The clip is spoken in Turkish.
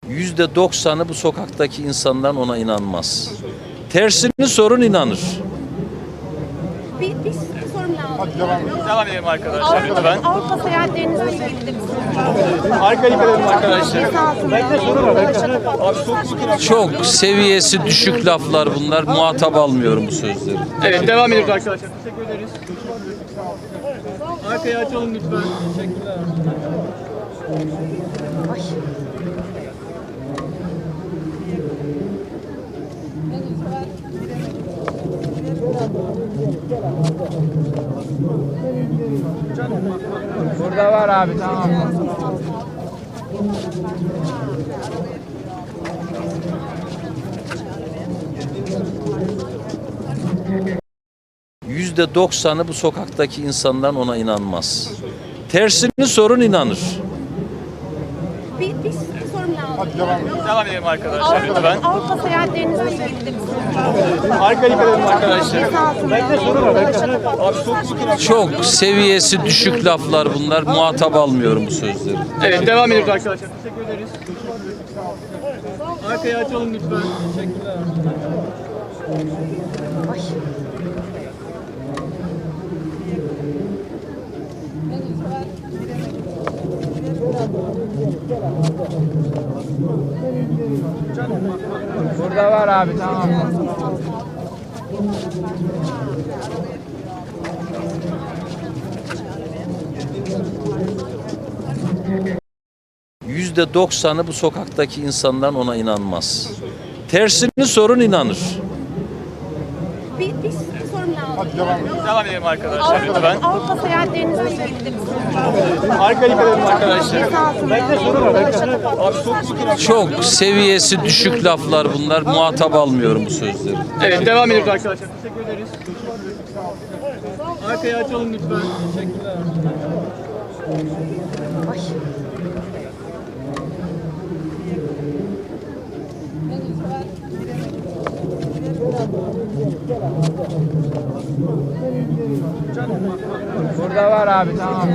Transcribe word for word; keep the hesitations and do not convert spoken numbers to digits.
yüzde doksanı bu sokaktaki insanların ona inanmaz. Tersini sorun, inanır. Bir, bir sorum lazım. Devam edelim arkadaşlar lütfen. Avrupa, Avrupa seyahatlerinizle ilgili de bir sorum var. Arkaya dikkat edin arkadaşlar. Çok seviyesi düşük laflar bunlar. Muhatap almıyorum bu sözleri. Evet, devam ediyoruz arkadaşlar. Teşekkür ederiz. Arkayı açalım lütfen. Teşekkürler. Burada var abi, tamam. yüzde doksanı bu sokaktaki insanların ona inanmaz. Tersini sorun, inanır. Bir, bir sorum lazım. Devam edelim arkadaşlar lütfen. Avrupa seyahatlerinizle ilgili de bir sorum var. Arkaya dikkat edin arkadaşlar. Çok seviyesi düşük laflar bunlar. Muhatap almıyorum bu sözleri. Evet, devam ediyoruz arkadaşlar. Teşekkür ederiz. Arkayı açalım lütfen. Teşekkürler. Burada var abi, tamam. yüzde doksanı bu sokaktaki insanların ona inanmaz. Tersini sorun, inanır. Bir, bir sorum lazım. Devam edelim arkadaşlar lütfen. Avrupa seyahatlerinizle ilgili de bir sorum var. Arkaya dikkat edin arkadaşlar. Çok seviyesi düşük laflar bunlar. Muhatap almıyorum bu sözleri. Evet, devam ediyoruz arkadaşlar. Teşekkür ederiz. Arkayı açalım lütfen. Teşekkürler. Burada var abi, tamam.